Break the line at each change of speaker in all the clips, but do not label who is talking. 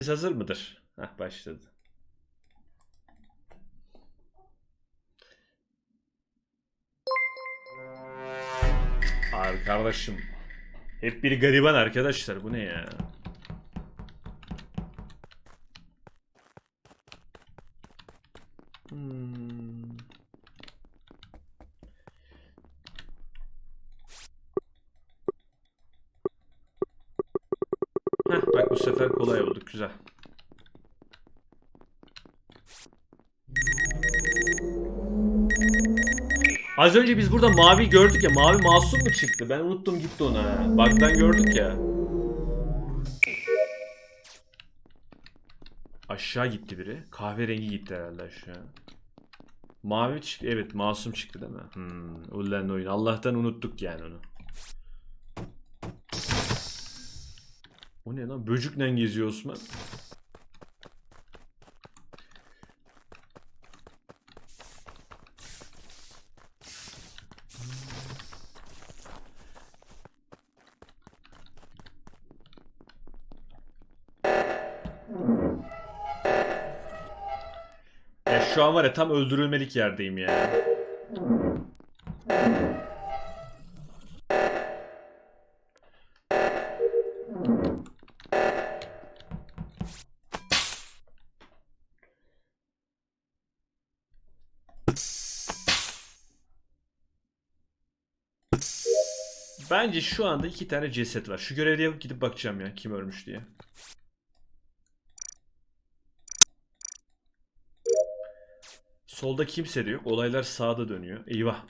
Hazır mıdır? Heh, başladı. Arkadaşım. Hep biri gariban arkadaşlar. Bu ne ya? Hmm. Heh, bak bu sefer kolay olduk. Güzel. Az önce biz burada mavi gördük ya. Mavi masum mu çıktı? Ben unuttum gitti ona. Bug'dan gördük ya. Aşağı gitti biri. Kahverengi gitti herhalde aşağı. Mavi çıktı. Evet, masum çıktı değil mi? Ulan oyun. Allah'tan unuttuk yani onu. O ne lan? Böcükle geziyor Osman. Ya şu an var ya, tam öldürülmelik yerdeyim ya. Bence şu anda 2 tane ceset var. Şu görevliye yapıp gidip bakacağım ya, kim ölmüş diye. Solda kimse de yok. Olaylar sağda dönüyor. Eyvah.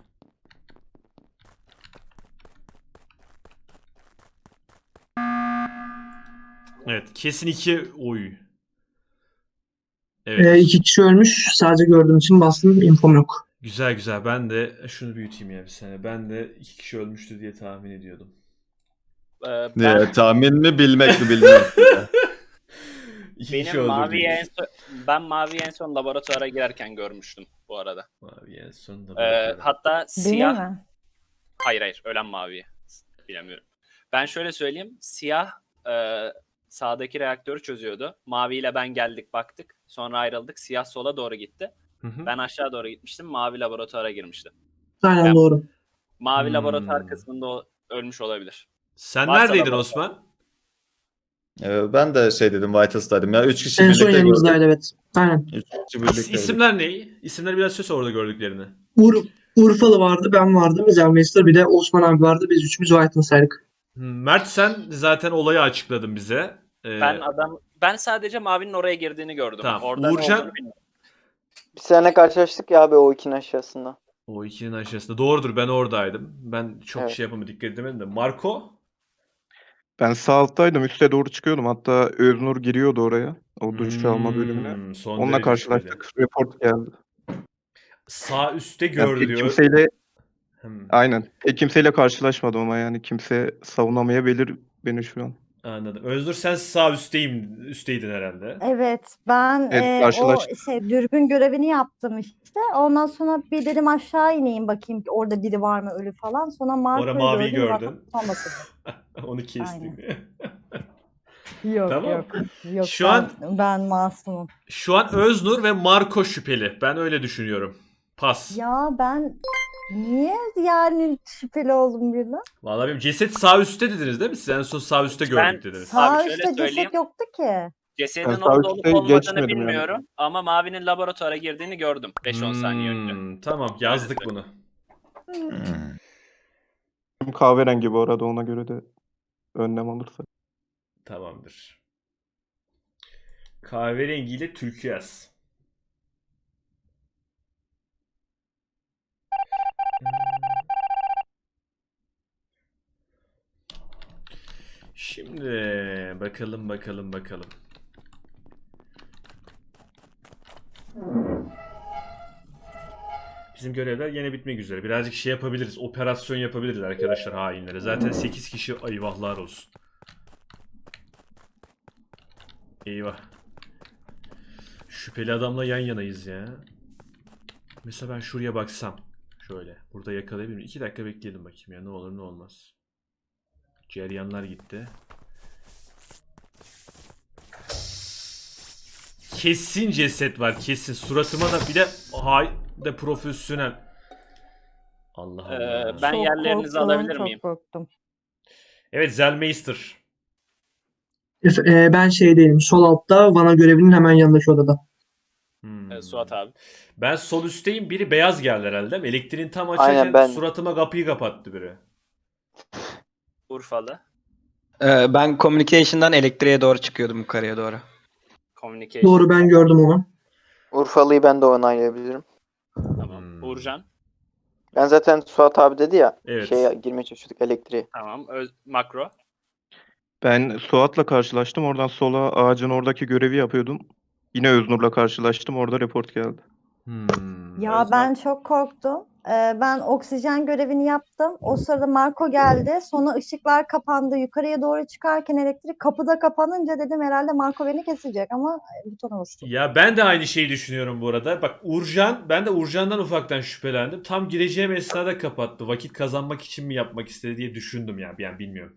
Evet, kesin 2 oy. Evet.
İki kişi ölmüş. Sadece gördüğüm için bastım. İnfom yok.
Güzel güzel. Ben de şunu büyüteyim ya bir saniye. Ben de 2 kişi ölmüştü diye tahmin ediyordum.
Ben
Tahmin mi bilmek mi bilmiyorum.
2 kişi
benim maviyi en
öldürdük.
son, ben maviyi en son laboratuvara girerken görmüştüm bu arada.
Mavi en sonunda bakıyorum.
Hatta
Benim
siyah,
mi?
hayır ölen maviyi bilemiyorum. Ben şöyle söyleyeyim, siyah sağdaki reaktörü çözüyordu. Mavi ile ben geldik baktık, sonra ayrıldık. Siyah sola doğru gitti.
Hı hı.
Ben aşağı doğru gitmiştim. Mavi laboratuvara girmişti.
Aynen
Ben-
doğru.
Mavi laboratuvar kısmında ölmüş olabilir.
Sen
Varsa
neredeydin
laboratuvar.
Osman?
Ben de şey dedim, Whitelist'taydım ya. 3 kişi
En son
birlikte gördük.
yanımızdaydı evet. Aynen.
3 kişi birlikte gördük.
İsimler ne? İsimler biraz söz orada gördüklerini.
Urfalı vardı, ben vardım. Mr. Bir de Osman abi vardı. Biz üçümüz White'ın.
Mert, sen zaten olayı açıkladın bize.
Ben sadece mavinin oraya girdiğini gördüm.
Tamam.
Orada ne
Uğurcan?
olduğunu bilmiyorum.
Bir sene karşılaştık ya abi o ikinin aşağısında.
O ikinin aşağısında. Doğrudur, ben oradaydım. Ben çok
Evet.
şey yapamadım, dikkat edemedim de. Marco?
Ben sağ alttaydım. Üste doğru çıkıyordum. Hatta Öznur giriyordu oraya. O duş alma bölümüne.
Son
Onunla
derece
karşılaştık. Report geldi.
Sağ üstte
Yani
gördü
pek
diyor.
kimseyle
Hmm,
aynen. Pek kimseyle karşılaşmadım ama yani kimse savunamayabilir beni şu an.
anladım. Özgür, sen sağ üstteydin herhalde.
Evet, ben
Evet,
o
karşılaştık.
dürbün görevini yaptım işte. Ondan sonra bir dedim aşağı ineyim bakayım ki orada biri var mı ölü falan. Sonra
Orada
Marco'yu
maviyi
gördüm.
gördün.
Zaten sonrasında.
Onu kestim.
Yok
Tamam.
yok. Yok
Şu an-
ben masumum.
Şu an Öznur ve Marco şüpheli. Ben öyle düşünüyorum. Pas.
Ya ben niye yani şüpheli oldum birden?
Vallahi benim ceset sağ üstte dediniz değil mi? Siz en son sağ üstte gördük dediniz.
Sağ
Abi şöyle
üstte
söyleyeyim.
ceset yoktu ki.
Cesedin
Ben sağ
orada olup
üstte
olmadığını
geçmedim yani.
bilmiyorum. Ama mavinin laboratuvara girdiğini gördüm 5-10 saniye önce.
Tamam, yazdık bunu.
Kahverengi bu arada, ona göre de önlem alırsak.
Tamamdır. Kahverengiyle türküyaz. Şimdi bakalım. Bizim görevler yine bitmek üzere. Birazcık şey yapabiliriz. Operasyon yapabiliriz arkadaşlar hainlere. Zaten 8 kişi, eyvahlar olsun. Eyvah. Şüpheli adamla yan yanayız ya. Mesela ben şuraya baksam. Şöyle. Burada yakalayabilir miyim? 2 dakika bekleyelim bakayım ya. Ne olur ne olmaz. Ceryanlar gitti. kesin ceset var kesin. Suratıma da bir de de profesyonel. Allah Allah.
Ben
Çok
yerlerinizi
korktum,
alabilir
çok
miyim?
korktum.
Evet Zellmeister.
Ben şeydeyim. Sol altta Vana görevinin hemen yanındaki odada.
Suat abi.
Ben sol üstteyim. Biri beyaz geldi herhalde değil mi? Elektriğin tam açarken
Aynen ben.
suratıma kapıyı kapattı biri.
Urfalı.
Ben communication'dan elektriğe doğru çıkıyordum yukarıya doğru.
Communication.
Doğru, ben gördüm onu.
Urfalı'yı ben de onaylayabilirim.
Tamam. Uğurcan.
Ben zaten Suat abi dedi ya.
Evet.
Şeye girmeye çalışıyorduk, elektriğe.
Tamam. Makro.
Ben Suat'la karşılaştım. Oradan sola ağacın oradaki görevi yapıyordum. Yine Öznur'la karşılaştım. Orada report geldi.
Ya ben çok korktum. Ben oksijen görevini yaptım. O sırada Marco geldi. Sonra ışıklar kapandı. Yukarıya doğru çıkarken elektrik kapıda kapanınca dedim herhalde Marco beni kesecek ama butona bastım.
Ya ben de aynı şeyi düşünüyorum bu arada. Bak ben de Uğurcan'dan ufaktan şüphelendim. Tam gireceğim esnada kapattı. Vakit kazanmak için mi yapmak istedi diye düşündüm ya. Yani bilmiyorum.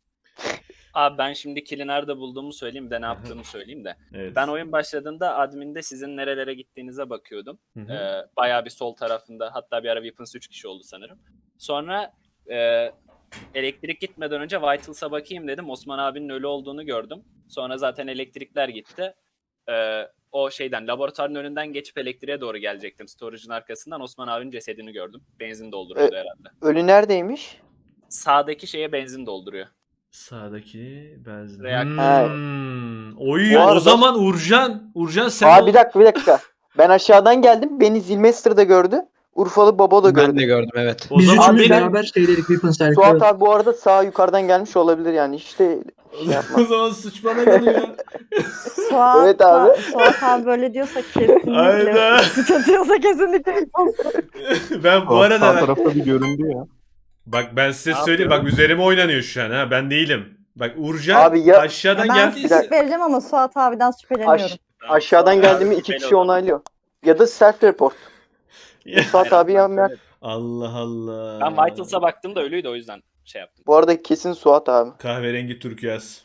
Abi ben şimdi kill'i nerede bulduğumu söyleyeyim de ne yaptığımı söyleyeyim de.
Evet.
Ben oyun başladığında adminde sizin nerelere gittiğinize bakıyordum.
Hı hı.
Bayağı bir sol tarafında, hatta bir ara Weapons 3 kişi oldu sanırım. Sonra elektrik gitmeden önce Vitals'a bakayım dedim. Osman abinin ölü olduğunu gördüm. Sonra zaten elektrikler gitti. O şeyden, laboratuvarın önünden geçip elektriğe doğru gelecektim. Storage'ın arkasından Osman abinin cesedini gördüm. Benzin dolduruyordu herhalde.
Ölü neredeymiş?
Sağdaki şeye benzin dolduruyor.
Sağdaki benzin.
Reaktör.
Oy
Bu
o
arada-
zaman Uğurcan sen
Bir dakika. Ben aşağıdan geldim. Beni Zilmester da gördü. Urfalı Baba da
Ben
gördü.
de gördüm evet.
o
Biz
zaman
üçümüz
benim
beraber şeydeydik. Weapons'taydık.
Suat
Evet.
abi bu arada sağ yukarıdan gelmiş olabilir yani. İşte şey yapma.
o zaman suç bana geliyor.
Suat,
Evet abi.
Suat abi böyle diyorsa kesinlikle.
Aynen.
Suç atıyorsa kesinlikle.
Ben bu
Suat
arada
sağ tarafta bir göründü ya.
bak ben size
Ne
söyleyeyim bak üzerime oynanıyor şu an ha ben değilim. Bak Uğurcan
Abi ya-
aşağıdan
Ben
geldiyse
skip vereceğim ama Suat abiden şüpheleniyorum.
Aşağıdan
Suat abi
geldiğimi 2
şüpheli
kişi
o zaman.
onaylıyor. Ya da self report. Suat abi ya
Evet.
Allah Allah.
Ben Vitals'a baktığımda ölüydü, o yüzden şey yaptım.
Bu arada kesin Suat abi.
Kahverengi turkuaz.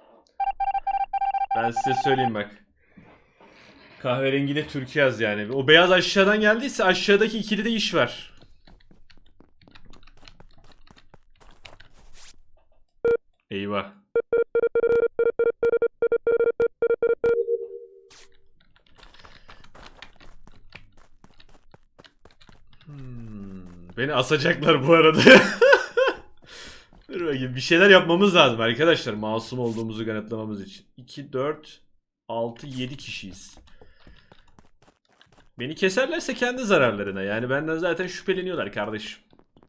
Ben size söyleyeyim bak. Kahverengiyle turkuaz yani. O beyaz aşağıdan geldiyse aşağıdaki ikili de iş var. Eyvah. Beni asacaklar bu arada. Dur bakayım. Bir şeyler yapmamız lazım arkadaşlar. Masum olduğumuzu kanıtlamamız için. 2, 4, 6, 7 kişiyiz. Beni keserlerse kendi zararlarına. Yani benden zaten şüpheleniyorlar kardeşim.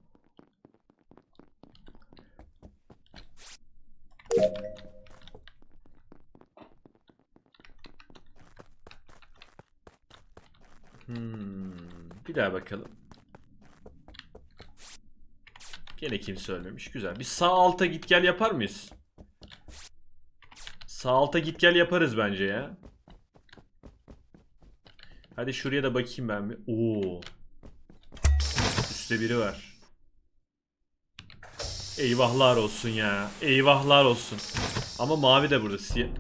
Bir daha bakalım. Gene kimse ölmemiş. Güzel. Bir sağ alta git gel yapar mıyız? Sağ alta git gel yaparız bence ya. Hadi şuraya da bakayım ben bir. Oo. Üstte biri var. Eyvahlar olsun ya. Eyvahlar olsun. Ama mavi de burada. Siyah.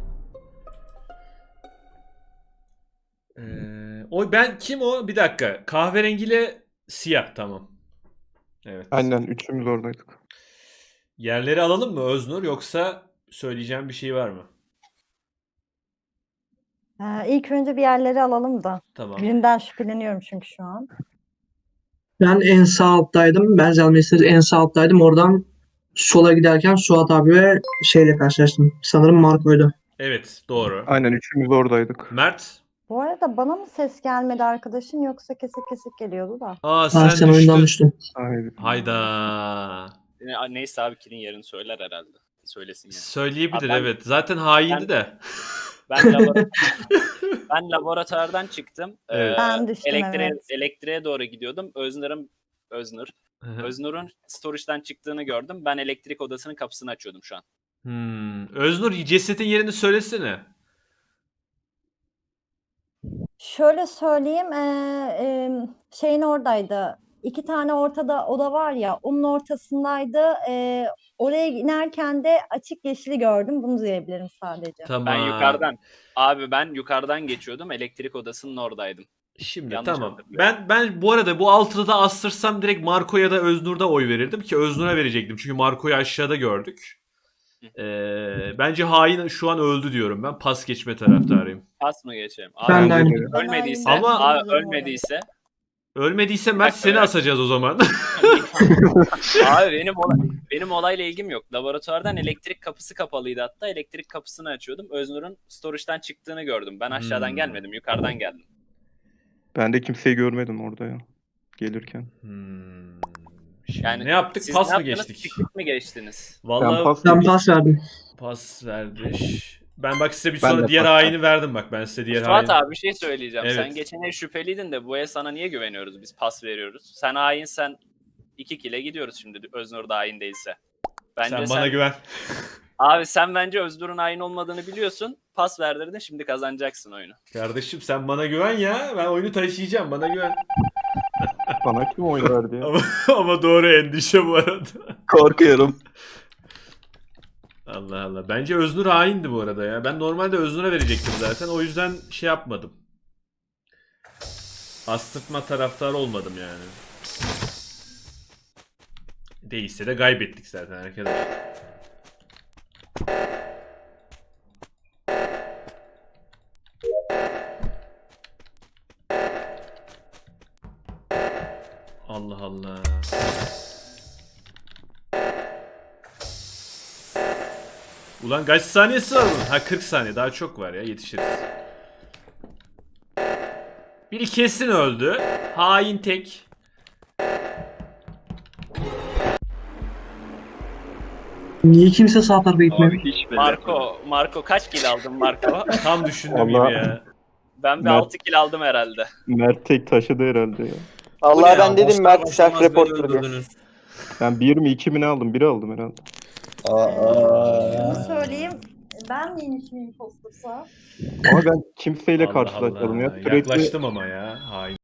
Kim o? Bir dakika. Kahverengiyle siyah tamam. Evet.
Aynen üçümüz oradaydık.
Yerleri alalım mı Öznur yoksa söyleyeceğim bir şey var mı?
İlk önce bir yerleri alalım da.
Tamam.
Birinden şüpheleniyorum çünkü şu an.
Ben en sağ alttaydım. Ben Zellmeister en sağ alttaydım. Oradan sola giderken Suat abi ve şeyle karşılaştım. Sanırım Marco'ydu.
Evet doğru.
Aynen üçümüz oradaydık.
Mert.
Bu arada bana mı ses gelmedi arkadaşın yoksa kesik kesik geliyordu da.
Sen oyundan düştün.
Aynen.
Hayda.
Neyse abi, kill'in yerini söyler herhalde. Söylesin yani.
Söyleyebilir
Abi ben-
evet. Zaten haindi
ben-
de.
Ben laboratuvardan çıktım.
Evet.
Ben düştüm, evet.
Elektriğe doğru gidiyordum. Öznur'un storage'dan çıktığını gördüm. Ben elektrik odasının kapısını açıyordum şu an.
Öznur cesetin yerini söylesene.
Şöyle söyleyeyim, şeyin oradaydı. 2 tane ortada oda var ya, onun ortasındaydı. Oraya inerken de açık yeşili gördüm. Bunu diyebilirim sadece.
Tamam.
Ben yukarıdan geçiyordum. Elektrik odasının oradaydım.
Şimdi
Yanlış
tamam.
hatırlıyorum.
Ben bu arada bu altıda da astırsam direkt Marco ya da Öznur'da oy verirdim ki Öznur'a verecektim. Çünkü Marco'yu aşağıda gördük. Bence hain şu an öldü diyorum ben. Pas geçme taraftarıyım.
Pas mı geçeyim?
Ben de aynı.
Ölmediyse,
Ama-
ölmediyse
Ölmediyse Mert
dakika
seni
ya.
asacağız o zaman.
abi benim olayla ilgim yok. Laboratuvardan elektrik kapısı kapalıydı hatta. Elektrik kapısını açıyordum. Öznur'un storage'dan çıktığını gördüm. Ben aşağıdan gelmedim, yukarıdan geldim.
Ben de kimseyi görmedim orada ya. Gelirken.
Şimdi
Yani
ne yaptık?
Siz
Pas
ne
mı
yaptınız?
geçtik?
Piknik mi geçtiniz?
Vallahi
Ben pas
Ben pas verdim.
pas verdik. Ben bak size bir
Ben
sonra
de
diğer
pas
haini verdim bak. Ben size diğer
Fuat
haini.
abi bir şey söyleyeceğim.
Evet.
Sen geçen el şüpheliydin de bu el sana niye güveniyoruz? Biz pas veriyoruz. Sen hainsen 2 kile gidiyoruz şimdi Öznur da hain değilse. Bence
Sen bana güven.
Abi sen bence Öznur'un hain olmadığını biliyorsun. Pas verdirdin, şimdi kazanacaksın oyunu.
Kardeşim sen bana güven ya. Ben oyunu taşıyacağım. Bana güven.
Bana kim oy verdi ya?
Ama doğru endişe bu arada.
Korkuyorum.
Allah Allah. Bence Öznur haindi bu arada ya. Ben normalde Öznur'a verecektim zaten. O yüzden şey yapmadım. Astırtma taraftarı olmadım yani. Değilse de kaybettik zaten arkadaşlar. Allah Allah. Ulan kaç saniyesi var bunun? Ha 40 saniye daha çok var ya yetişiriz. Biri kesin öldü. Hain tek.
Niye kimse sağ tarafa gitmiyor?
hiç
Marco kaç kill aldın Marco?
Tam düşündüğüm
Allah.
gibi ya.
Ben bir
Ben-
6 kill aldım herhalde.
Mert tek taşıdı herhalde ya.
Allah ben dedim Mert self reporter diye.
Ben 1 mi 2 mi ne aldım? 1 aldım herhalde.
Şunu söyleyeyim. Ben miymiş miyim impostorsa?
Ama ben kimseyle
Allah
karşılaşmadım
Allah.
ya. Sürekli
Yaklaştım ama ya. Hain.